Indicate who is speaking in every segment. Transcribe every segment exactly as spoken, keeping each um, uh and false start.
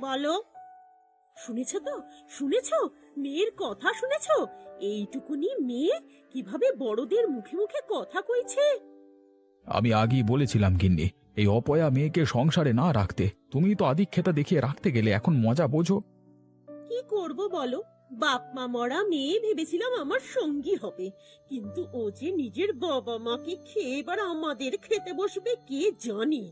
Speaker 1: বলো। শুনেছ তো, শুনেছ? মেয়ের কথা শুনেছ? এইটুকুনি মেয়ে কিভাবে বড়দের মুখে মুখে কথা কইছে।
Speaker 2: আমি আগেই বলেছিলাম গিন্নি, এই অপয়া মেয়েকে সংসারে না রাখতে। তুমি তো আদিক্ষেতা দেখিয়ে রাখতে গেলে, এখন মজা বোঝো।
Speaker 1: কি করব বলো, বাপ মা মরা মেয়ে ভেবেছিলাম আমার সঙ্গী হবে, কিন্তু ও যে নিজের বাবা মাকে খেয়ে এবার আমাদের খেতে বসবে কে জানি।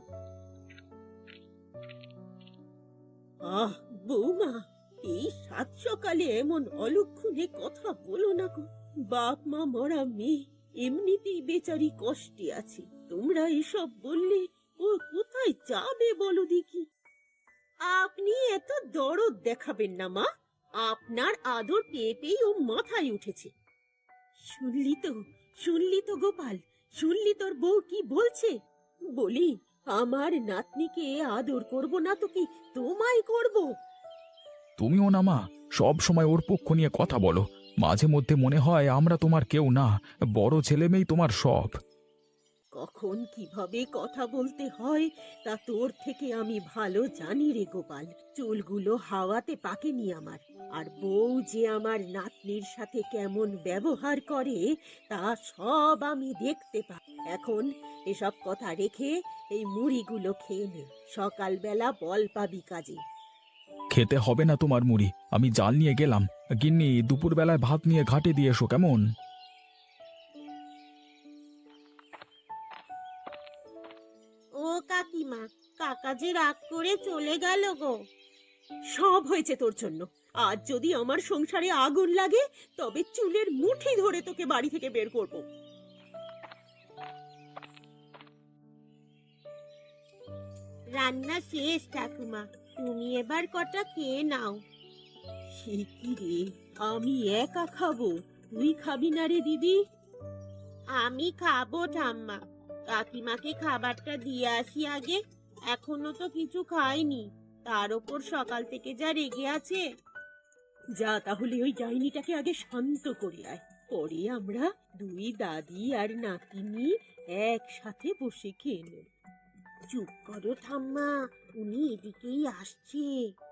Speaker 1: আহ বৌমা, এই সাত সকালে এমন অলক্ষণে কথা বলো না গো। বাপ মা মরা মেয়ে এমনিতেই বেচারি কষ্টে আছে, তোমরা এসব বললে ও কোথায় যাবে বলো দেখি। আপনি এত দরদ দেখাবেন না মা, আপনার আদর পেয়ে পেয়ে ও মাথায় উঠেছে। শুনলি তো, শুনলি তো গোপাল, শুনলি তোর বউ কি বলছে? বলি, আমার নাতনিকে আদর করব না তো কি তোমায় করব?
Speaker 2: তুমিও না মা, সব সময় ওর পক্ষ নিয়ে কথা বলো। মাঝে মধ্যে মনে হয় আমরা তোমার কেউ না, বড় ছেলে মেয়েই তোমার সব।
Speaker 1: কখন কিভাবে কথা বলতে হয় তা তোর থেকে আমি ভালো জানি রে গোপাল। চুলগুলো হাওয়াতে পাকেনি আমার, আর বউ যে আমার নাতনির সাথে কেমন ব্যবহার করে তা সব আমি দেখতে পাই। এখন এসব কথা রেখে এই মুড়িগুলো খেয়ে নে, সকালবেলা বল পাবি কাজে।
Speaker 2: খেতে হবে না তোমার মুড়ি, আমি জাল নিয়ে গেলাম। গিন্নি, দুপুরবেলায় ভাত নিয়ে ঘাটে দিয়ে এসো কেমন?
Speaker 1: ও কাকিমা, কাকা যে রাগ করে চলে গেল গো। সব হয়েছে তোর জন্য। আজ যদি আমার সংসারে আগুন লাগে তবে চুলের মুঠি ধরে তোকে বাড়ি থেকে বের করব। রান্না শেষ ঠাকুমা, তুমি এবার কটা খেয়ে নাও। সে কি রে, আমি একা খাবো, তুই খাবি না রে দিদি? আমি খাবো ঠাম্মা, কাকিমাকে খাবারটা দিয়ে আসি আগে, এখনো তো কিছু খাইনি, তার ওপর সকাল থেকে যা রেগে আছে। যা তাহলে ওই ডাইনিটাকে আগে শান্ত করে আয়, পরে আমরা দুই দাদি আর নাতিনি একসাথে বসে খেয়ে নেব। চুপ করো ঠাম্মা, উনি এদিকেই আসছে।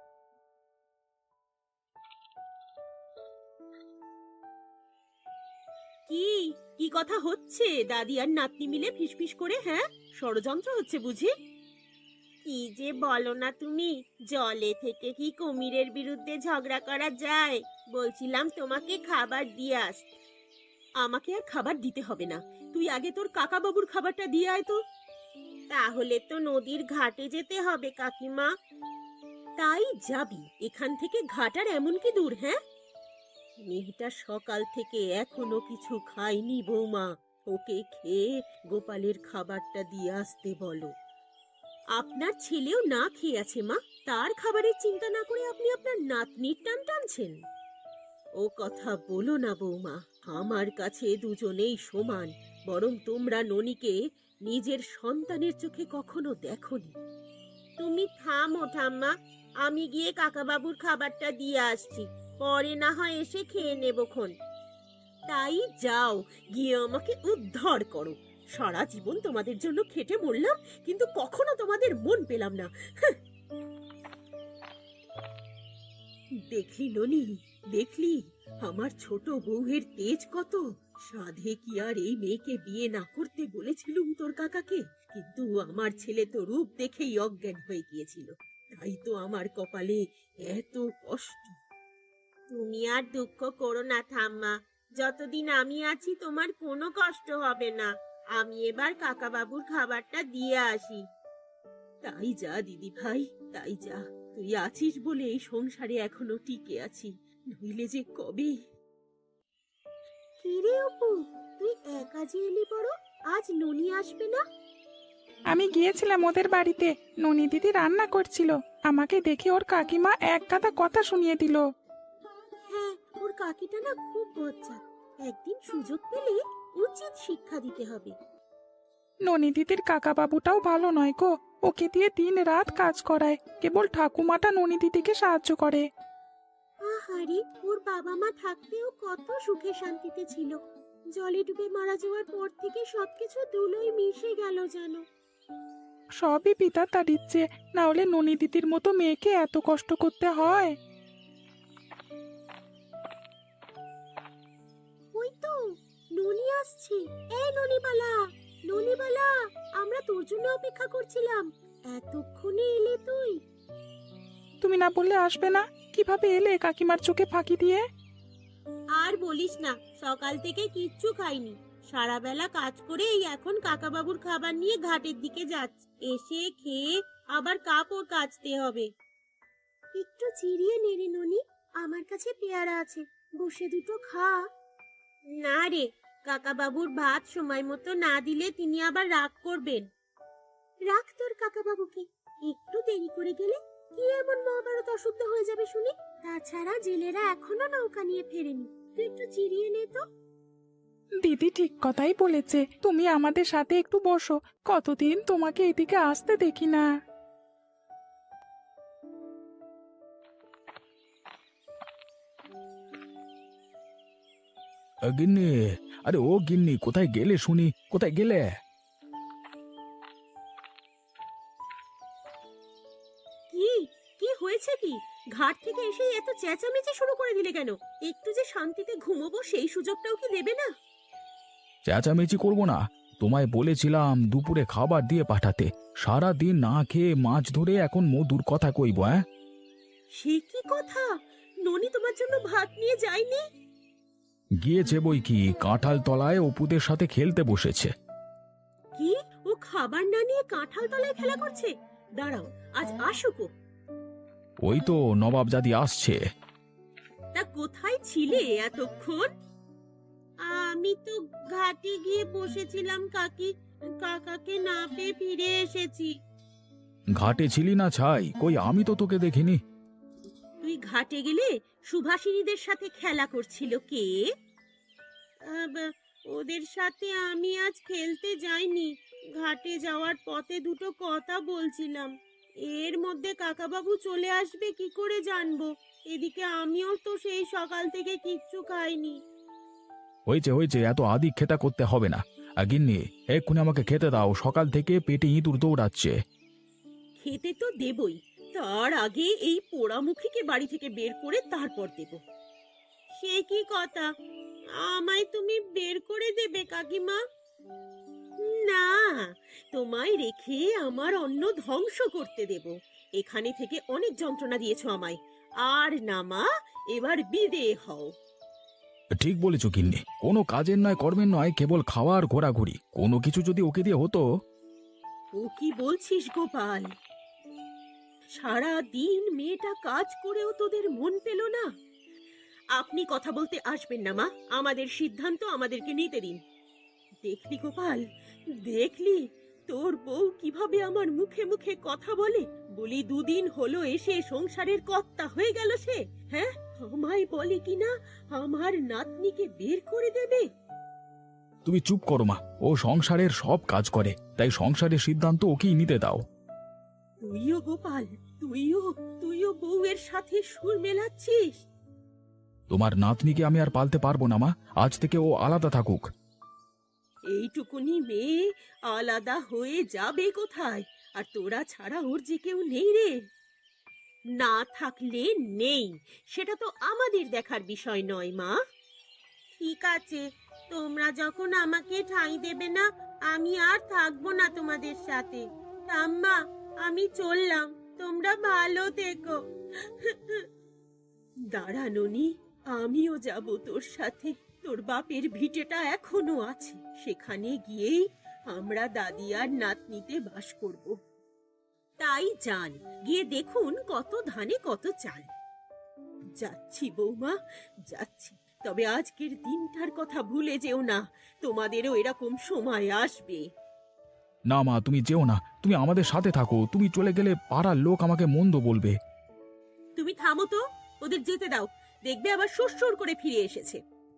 Speaker 1: কি কি কথা হচ্ছে দাদি আর নাতনি মিলে ফিসফিস করে? হ্যাঁ, ষড়যন্ত্র হচ্ছে বুঝি? কি যে বলো না তুমি, জলে থেকে কি কুমিরের বিরুদ্ধে ঝগড়া করা যায়? বলছিলাম তোমাকে খাবার দিয়ে আস। আমাকে আর খাবার দিতে হবে না, তুই আগে তোর কাকা বাবুর খাবারটা দিয়ে আয় তো। তাহলে তো নদীর ঘাটে যেতে হবে কাকিমা। তাই যাবি? এখান থেকে ঘাট আর এমন কি দূর? হ্যাঁ, মেয়েটা সকাল থেকে এখনো কিছু খায়নি বৌমা, ওকে খেয়ে গোপালের খাবারটা দিয়ে আসতে বলো। আপনার ছেলেও না খেয়ে আছে মা, তার খাবারের চিন্তা না করে আপনি আপনার নাতনির টান টানছেন। ও কথা বলো না বৌমা, আমার কাছে দুজনেই সমান, বরং তোমরা ননিকে নিজের সন্তানের চোখে কখনো দেখোনি। তুমি থামো ঠাম্মা, আমি গিয়ে কাকাবাবুর খাবারটা দিয়ে আসছি, পরে না হয় এসে খেয়ে নেবক্ষণ। তাই যাও, গিয়ে আমাকে উদ্ধার করো। সারা জীবন তোমাদের জন্য খেটে মরলাম, কিন্তু কখনো তোমাদের মন পেলাম না। হাহ। দেখলি ননি, দেখলি আমার ছোট বউয়ের তেজ কত? সাধে কি আর এই মেয়েকে বিয়ে না করতে বলেছিলুম তোর কাকাকে, কিন্তু আমার ছেলে তো রূপ দেখেই অজ্ঞান হয়ে গিয়েছিল, তাই তো আমার কপালে এত কষ্ট। তুমি আর দুঃখ করো না ঠাম্মা, যতদিন আমি আছি তোমার কোনো কষ্ট হবে না। আমি এবার কাকা বাবুর খাবারটা দিয়ে আসি। তাই যা দিদি ভাই, তাই যা। তুই আছিস বলে এই সংসারে এখনো টিকে আছি, নইলে যে কবে। কিরে অপু, তুই একা যে এলি বড়, আজ ননি আসবে না?
Speaker 3: আমি গিয়েছিলাম ওদের বাড়িতে, ননি দিদি রান্না করছিল, আমাকে দেখে ওর কাকিমা এক গাদা কথা শুনিয়ে দিল।
Speaker 1: হ্যাঁ, ওর কাকিটা না খুব বজ্জাত, একদিন সুযোগ পেলে উচিত শিক্ষা দিতে হবে।
Speaker 3: ননি দিদির কাকা বাবুটাও ভালো নয় গো, ওকে দিয়ে দিন রাত কাজ করায়, কেবল ঠাকুমাটা ননি দিদিকে সাহায্য করে।
Speaker 1: আহারে, ওর বাবা মা থাকতেও কত সুখে শান্তিতে ছিল, জলে ডুবে মারা যাওয়ার পর থেকে সবকিছু ধুলোয় মিশে গেল জানো।
Speaker 3: সবই পিতা তার ইচ্ছে, না হলে ননি দিদির মতো মেয়েকে এত কষ্ট করতে হয়?
Speaker 1: ওই তো ননি আসছে। এই ননিবালা, ননিবালা, আমরা তোর জন্য অপেক্ষা করছিলাম। এতক্ষণে এলে তুই?
Speaker 3: তুমি না বললে আসবে না? কিভাবে এলে কাকিমার চোখে ফাঁকি দিয়ে?
Speaker 1: আর বলিস না, সকাল থেকে কিচ্ছু খাইনি। সারা বেলা কাজ করে এই এখন কাকাবাবুর খাবার নিয়ে ঘাটের দিকে যাচ্ছি। এসে খেয়ে আবার কাপড় কাচতে হবে। একটু চিরিয়ে নেড়ে ননি, আমার কাছে পেয়ারা আছে, বসে দুটো খা। না রে, কাকাবাবুর ভাত সময় মতো না দিলে তিনি আবার রাগ করবেন। রাগ তোর কাকাবাবুকে, একটু দেরি করে গেলে কি এমন মহাভারত অশুদ্ধ হয়ে যাবে শুনি। তাছাড়া জেলেরা এখনো নৌকা নিয়ে ফেরেনি, তুই একটু চিরিয়ে নে তো।
Speaker 3: দিদি ঠিক কথাই বলেছে, তুমি আমাদের সাথে একটু বসো, কতদিন তোমাকে এদিকে আসতে দেখি না।
Speaker 2: আ, গিন্নি, আরে ও গিন্নি, কোথায় গেলে শুনি, কোথায় গেলে?
Speaker 1: কি কি হয়েছে কি? ঘাট থেকে এসে এত চেঁচামেচি শুরু করে দিলে কেন? একটু যে শান্তিতে ঘুমোবো সেই সুযোগটাও কি দেবে না?
Speaker 2: চেঁচামেচি করবো না? তোমায় বলেছিলাম দুপুরে খাবার দিয়ে পাঠাতে, সারা দিন না খেয়ে মাছ ধরে এখন মধুর কথা কইব, হ্যাঁ?
Speaker 1: সে কি কথা? ননি তোমার জন্য ভাত নিয়ে যায়নি?
Speaker 2: গিয়েছে বই কি, কাঁঠাল তলায় অপুদের সাথে খেলতে বসেছে।
Speaker 1: কি, ও খাবার না নিয়ে কাঁঠাল তলায় খেলা করছে? দাঁড়াও, আজ আসুক ও।
Speaker 2: ওই তো নবাবজাদি আসছে।
Speaker 1: তা কোথায় ছিলে এতক্ষণ? আমি তো ঘাটে গিয়ে বসেছিলাম কাকি, কাকাকে না পেয়ে ফিরে এসেছি।
Speaker 2: ঘাটে ছিলি না ছাই, কই আমি তো তোকে দেখিনি।
Speaker 1: তুই ঘাটে গেলে সুভাষিনীদের সাথে খেলা করছিল কে? আব, ওদের সাথে আমি আজ খেলতে যাইনি। ঘাটে যাওয়ার পথে দুটো কথা বলছিলাম। এর মধ্যে কাকাবাবু চলে আসবে কি করে জানবো? এদিকে আমিও তো সেই সকাল থেকে কিচ্ছু খাইনি।
Speaker 2: হয়েছে হয়েছে, এত আদি খেতা করতে হবে না। আ, গিন্নি, এক্ষুনি আমাকে খেতে দাও, সকাল থেকে পেটে ইঁদুর দৌড়াচ্ছে।
Speaker 1: খেতে তো দেবই, তার আগে এই পোড়ামুখীকে বাড়ি থেকে বের করে তারপর দেব। সে কি কথা? আমায় তুমি বের করে দেবে কাকিমা? না, তোমায় রেখে আমার অন্ন ধ্বংস করতে দেব। এখানে থেকে অনেক যন্ত্রণা দিয়েছো আমায়। আর না মা, এবার বিদেয় হও।
Speaker 2: ঠিক বলেছ গিন্নি, কোনো কাজের নয় কর্মের নয়, কেবল খাওয়ার ঘোরাঘুরি, কোনো কিছু যদি ওকে দিয়ে হতো।
Speaker 1: ও কি বলছিস গোপাল? সারা দিন মেয়েটা কাজ করেও তোদের মন পেল না? আপনি কথা বলতে আসবেন না মা, আমাদের সিদ্ধান্ত আমাদেরকে নিতে দিন। দেখলি গোপাল, দেখলি তোর বউ কিভাবে আমার মুখে মুখে কথা বলে? বলি দুদিন হলো এসে সংসারের কর্তা হয়ে গেল সে, হ্যাঁ? আমায় বলে কিনা আমার নাতনিকে বের করে দেবে।
Speaker 2: তুমি চুপ করো মা, ও সংসারের সব কাজ করে, তাই সংসারের সিদ্ধান্ত ওকেই নিতে দাও।
Speaker 1: তুইও গোপাল, তুইও তুইও বউয়ের সাথে সুর মেলাচ্ছিস।
Speaker 2: তোমার নাতনিকে আমি আর পালতে পারবো না মা, আজ থেকে ও আলাদা থাকুক।
Speaker 1: এইটুকুনি মেয়ে আলাদা হয়ে যাবে কোথায়? আর তোরা ছাড়া ওর যে কেউ নেই রে। না থাকলে নেই, সেটা তো আমাদের দেখার বিষয় নয় মা। ঠিক আছে, তোমরা যখন আমাকে ঠাঁই দেবে না, আমি আর থাকবো না তোমাদের সাথে। ঠাম্মা, আমি চললাম, তোমরা ভালো থেকো। দাঁড়া ননি, আমিও যাব তোর সাথে। তোর বাপের ভিটেটা এখনো আছে, সেখানে গিয়েই আমরা দাদি আর নাতনিতে বাস করব। তাই যান, গিয়ে দেখুন কত ধানে কত চাল। যাচ্ছি বৌমা, যাচ্ছি। তবে আজকের দিনটার কথা ভুলে যেও না, তোমাদেরও এরকম সময় আসবে।
Speaker 2: না মা, তুমি যেও না, তুমি আমাদের সাথে থাকো, তুমি চলে গেলে পাড়ার লোক আমাকে মন্দ বলবে।
Speaker 1: তুমি থামো তো, ওদের যেতে দাও, দেখবে আবার সুরসুর করে ফিরে এসেছে।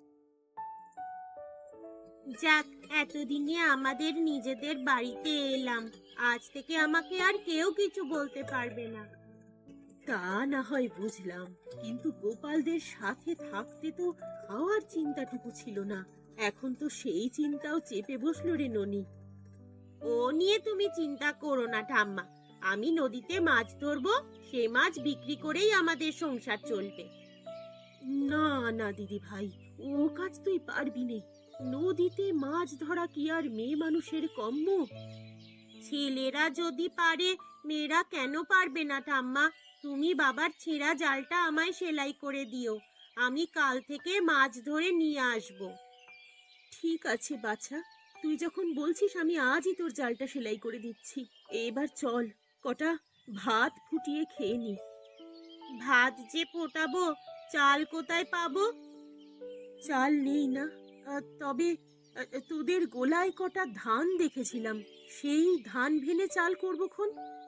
Speaker 1: যাক, এতদিনে আমাদের নিজেদের বাড়িতে এলাম, আজ থেকে আমাকে আর কেউ কিছু বলতে পারবে না। তা না হয় বুঝলাম, কিন্তু গোপালদের সাথে থাকতে তো খাওয়ার চিন্তাটুকু ছিল না, এখন তো সেই চিন্তাও চেপে বসলো রে ননি। ও নিয়ে তুমি চিন্তা করো না ঠাম্মা। আমি নদীতে মাছ ধরবো, সে মাছ বিক্রি করেই আমাদের সংসার চলবে। না না দিদি ভাই, ও কাজ তুই পারবি নে। নদীতে মাছ ধরা কি আর মেয়ে মানুষের কম্ম? ছেলেরা যদি পারে, মেয়েরা কেন পারবে না ঠাম্মা? তুমি বাবার ছেঁড়া জালটা আমায় সেলাই করে দিও, আমি কাল থেকে মাছ ধরে নিয়ে আসব। ঠিক আছে বাছা, তুই যখন বলছিস আমি আজই তোর জালটা সেলাই করে দিচ্ছি। এবার চল, কটা ভাত ফুটিয়ে খেয়ে নি। ভাত যে ফোটাবো, চাল কোথায় পাবো? চাল নেই না, আহ, তবে আহ, তোদের গোলায় কটা ধান দেখেছিলাম, সেই ধান ভেনে চাল করবো খন।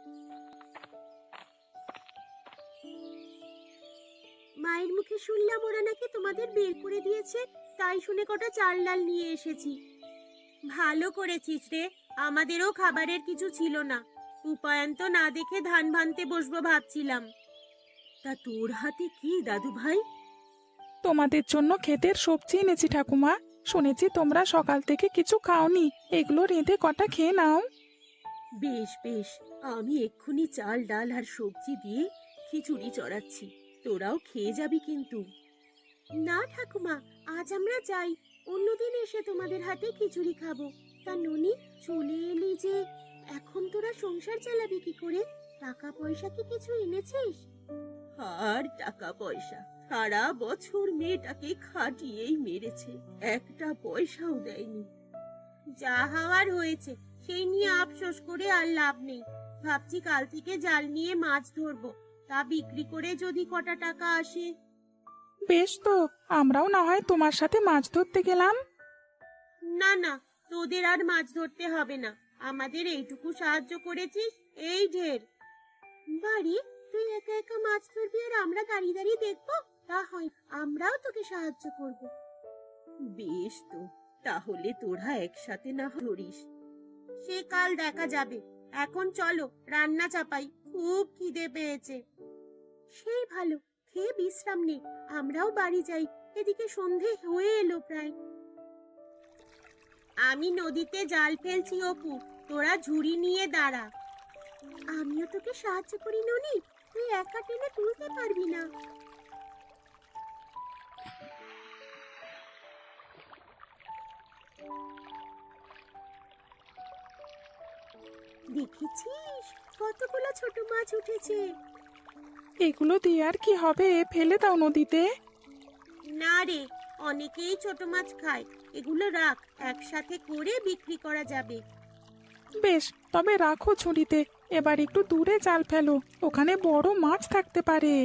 Speaker 1: মায়ের মুখে শুনলাম ওরা নাকি তোমাদের বের করে দিয়েছে, তাই শুনে কটা চাল ডাল নিয়ে এসেছি। ভালো করেছিস রে, আমাদেরও খাবারের কিছু ছিল না, উপায়ন্ত না দেখে ধান ভানতে বসবো ভাবছিলাম। তা তোর হাতে কি দাদু ভাই?
Speaker 3: তোমাদের জন্য ক্ষেতের সবজি এনেছি ঠাকুমা। শুনেছি তোমরা সকাল থেকে কিছু খাওনি, এগুলো রেঁধে কটা খেয়ে নাও।
Speaker 1: বেশ বেশ, আমি এক্ষুনি চাল ডাল আর সবজি দিয়ে খিচুড়ি চড়াচ্ছি, তোরাও খেয়ে যাবি কিন্তু। না ঠাকুমা, আজ আমরা যাই, অন্যদিন এসে তোমাদের হাতে খিচুড়ি খাবো। তা ননি, চলে এলি যে, এখন তোরা সংসার চালাবি কি করে? টাকা পয়সা কি কিছু এনেছিস? আর টাকা পয়সা, সারা বছর মেয়েটাকে খাটিয়েই মেরেছে, একটা পয়সাও দেয়নি। যা হওয়ার হয়েছে, সেই নিয়ে আফসোস করে আর লাভ নেই। ভাবছি কাল থেকে জাল নিয়ে মাছ ধরবো, তা বিক্রি করে যদি কটা টাকা আসে।
Speaker 3: বেশ তো, আমরাও না হয় তোমার সাথে মাছ ধরতে গেলাম।
Speaker 1: না না, তোদের আর মাছ ধরতে হবে না, আমাদের এইটুকু সাহায্য করেছিস, এই ঢের। বাড়ি, তুই একা একা মাছ ধরবি আর আমরা দাঁড়িয়ে দাঁড়িয়ে দেখবো? তা হয়, আমরাও তোকে সাহায্য করব। বেশ তো, তাহলে তোরা একসাথে না ধরিস। সে কাল দেখা যাবে, এখন চলো রান্না চাপাই, খুব খিদে পেয়েছে। সেই ভালো, খেয়ে বিশ্রাম নে, আমরাও বাড়ি যাই, এদিকে সন্ধে হয়ে এলো প্রায়। আমি নদীতে জাল ফেলছি অপু, তোরা ঝুড়ি নিয়ে দাঁড়া। আমিও তোকে সাহায্য করি ননি, তুই একা টেনে তুলতে পারবি না। দেখেছিস কতগুলো ছোট মাছ উঠেছে?
Speaker 3: এগুলো দিয়ে আর কি হবে, ফেলে দাও নদীতে।
Speaker 1: না রে, অনেকেই ছোট মাছ খায়, এগুলো রাখ, একসাথে করে বিক্রি করা যাবে।
Speaker 3: বেশ, তবে রাখো ঝুড়িতে, এবার একটু দূরে জাল ফেলো, ওখানে বড় মাছ থাকতে পারে।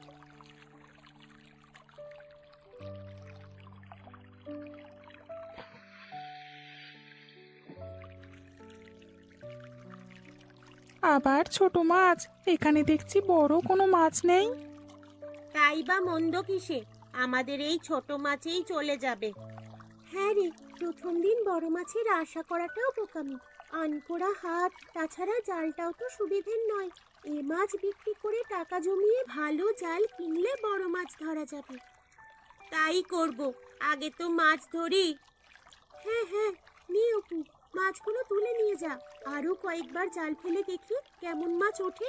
Speaker 3: আবার ছোট মাছ, এখানে দেখছি বড় কোনো মাছ নেই।
Speaker 1: তাই বা মন্দ কিসে, আমাদের এই ছোট মাছেই চলে যাবে। হ্যাঁ রে, প্রথম দিন বড় মাছের আশা করাটাও বোকামি, আনকোড়া হাত, তাছাড়া জালটাও তো সুবিধের নয়। এ মাছ বিক্রি করে টাকা জমিয়ে ভালো জাল কিনলে বড় মাছ ধরা যাবে। তাই করব, আগে তো মাছ ধরি। হ্যাঁ হ্যাঁ, নিয়ে অপু, মাছগুলো তুলে নিয়ে যা, আরো কয়েকবার জাল ফেলে দেখি কেমন মাছ ওঠে।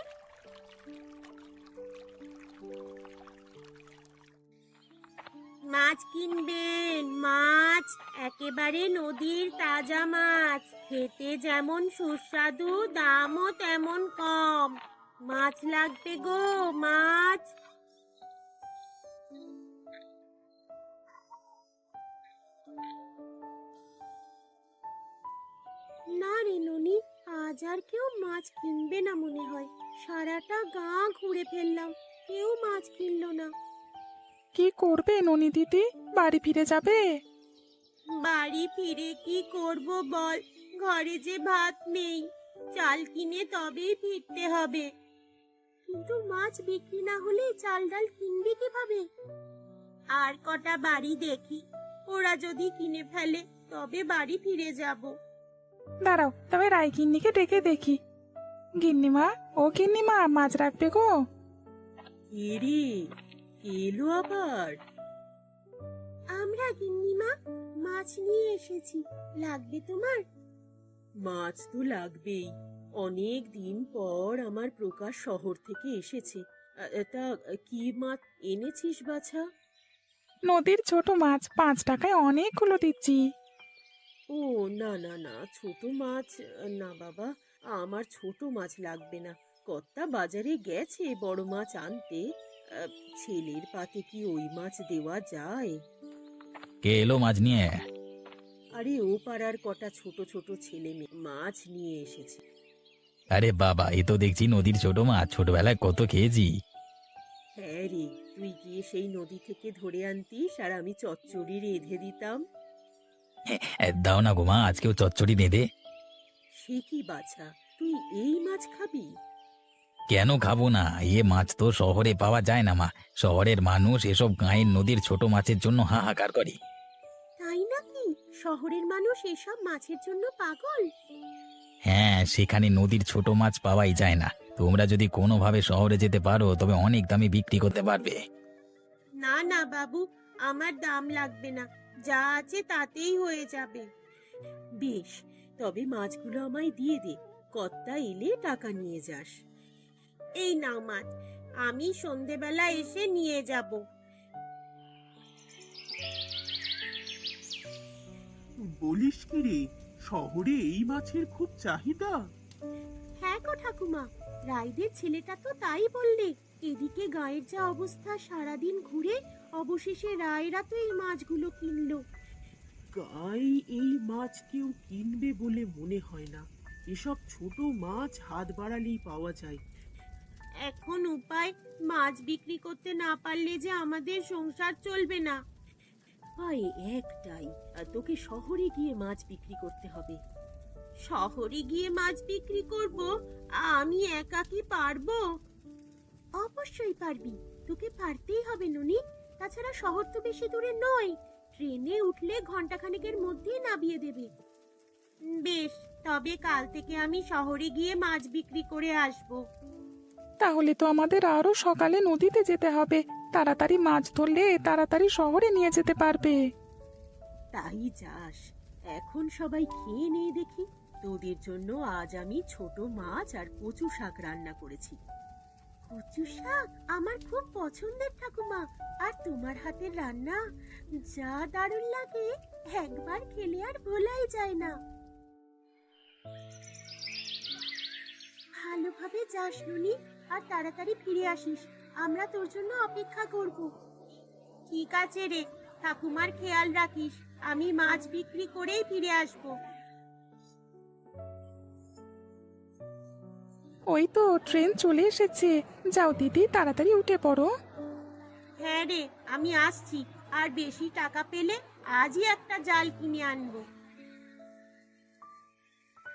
Speaker 1: মাছ কিনবেন, মাছ একেবারে নদীর তাজা মাছ, খেতে যেমন সুস্বাদু, দামও তেমন কম। মাছ লাগবে গো, মাছ। না রে ননি, আজ আর কেউ মাছ কিনবে না মনে হয়, সারাটা গা ঘুরে ফেললাম, কেউ মাছ কিনলো না।
Speaker 3: কি করবে ননি দিদি, বাড়ি ফিরে যাবে?
Speaker 1: বাড়ি ফিরে কি করব বল, ঘরে যে ভাত নেই, চাল কিনে তবেই ফিরতে হবে। কিন্তু মাছ বিক্রি না হলে চাল ডাল কিনবি কিভাবে? আর কটা বাড়ি দেখি, ওরা যদি কিনে ফেলে তবে বাড়ি ফিরে যাব।
Speaker 3: দাঁড়াও, তবে রাই গিন্নিকে ডেকে দেখি। গিন্নিমা, ও গিন্নিমা, মাছ রাখবে গো?
Speaker 1: এরে, এলো আবার। আমরা গিন্নিমা, মাছ নিয়ে এসেছি, লাগবে তোমার? মাছ তো লাগবেই। অনেক দিন পর আমার প্রকাশ শহর থেকে এসেছে। আ, তা কি মাছ এনেছিস বাছা?
Speaker 3: নদীর ছোট মাছ পাঁচ টাকায় অনেকগুলো দিচ্ছি।
Speaker 1: ও, না না না, ছোট মাছ আহ, না বাবা, আমার ছোট মাছ লাগবে না। কর্তা বাজারে গেছে বড় মাছ আনতে। আহ, ছেলের পাতে কি ওই মাছ দেওয়া যায়?
Speaker 2: কে এলো মাছ নিয়ে?
Speaker 1: আরে ও পাড়ার কটা ছোট ছোট ছেলে মেয়ে মাছ নিয়ে এসেছে।
Speaker 2: আরে বাবা, এ তো দেখছি নদীর ছোট মাছ, ছোটবেলায় কত খেয়েছি।
Speaker 1: হ্যাঁ রে, তুই গিয়ে সেই নদী থেকে ধরে আনতিস আর আমি চচ্চড়ি রেঁধে দিতাম।
Speaker 2: এ, দাও না গো মা, আজকেও চচ্চড়ি বেঁধে।
Speaker 1: সে কি বাছা, তুই এই মাছ খাবি?
Speaker 2: কেন খাবো না? এ মাছ তো শহরে পাওয়া যায় না মা। শহরের মানুষ এসব গাঁয়ের নদীর ছোট মাছের জন্য হাহাকার করে।
Speaker 1: তাই নাকি? শহরের মানুষ এসব মাছের জন্য পাগল?
Speaker 2: হ্যাঁ, সেখানে নদীর ছোট মাছ পাওয়াই যায় না। তোমরা যদি কোনোভাবে শহরে যেতে পারো তবে অনেক দামে বিক্রি করতে পারবে।
Speaker 1: না না বাবু, আমার দাম লাগবে না, যা আছে তাতেই হয়ে যাবে। বেশ, তবে মাছগুলো আমায় দিয়ে দে, কর্তা এলে টাকা নিয়ে যাস। এই নাও মাছ, আমি সন্ধেবেলা এসে নিয়ে যাব।
Speaker 4: বলিস কি রে, শহরে এই মাছের খুব চাহিদা?
Speaker 1: হ্যাঁ গো ঠাকুমা, রাইদের ছেলেটা তো তাই বললে। এদিকে গায়ের যা অবস্থা, সারাদিন ঘুরে অবশেষে রায়রা তো এই মাছগুলো কিনলো।
Speaker 4: গায়ে এই মাছ কেউ কিনবে বলে মনে হয় না। এসব ছোট মাছ হাত বাড়ালেই পাওয়া যায়।
Speaker 1: এখন উপায়, মাছ বিক্রি করতে না পারলে যে আমাদের সংসার চলবে না। ভাই একটাই, আর তোকে শহরে গিয়ে মাছ বিক্রি করতে হবে। শহরে গিয়ে মাছ বিক্রি করব? আমি একা কি পারবো? অবশ্যই পারবি, তোকে পারতেই হবে ননি। তাছাড়া শহর তো বেশি দূরে নয়, ট্রেনে উঠলে ঘন্টাখানেকের মধ্যেই নামিয়ে দেবে। বেশ, তবে কাল থেকে আমি শহরে গিয়ে মাছ বিক্রি করে আসবো।
Speaker 3: তাহলে তো আমাদের আরো সকালে নদীতে যেতে হবে। তাড়াতাড়ি মাছ ধরলে তাড়াতাড়ি শহরে নিয়ে যেতে পারবে।
Speaker 1: তাই যাস। এখন সবাই খেয়ে নিয়ে দেখি। তোদের জন্য আজ আমি ছোট মাছ আর কচু শাক রান্না করেছি। কচু শাক আমার খুব পছন্দের ঠাকুমা, আর তোমার হাতের রান্না যা দারুণ লাগে, একবার খেলে আর ভোলাই যায় না। ভালোভাবে যাস নুনি, আর তাড়াতাড়ি ফিরে আসিস। আমরা তোর জন্য অপেক্ষা করব। ঠিক আছে রে, ঠাকুমার খেয়াল রাখিস। আমি মাছ বিক্রি করেই ফিরে আসব।
Speaker 3: ওই তো ট্রেন চলে এসেছে। যাও দিদি, তাড়াতাড়ি উঠে পড়ো।
Speaker 1: হ্যাঁ রে, আমি আসছি। আর বেশি টাকা পেলে আজই একটা জাল কিনে আনবো।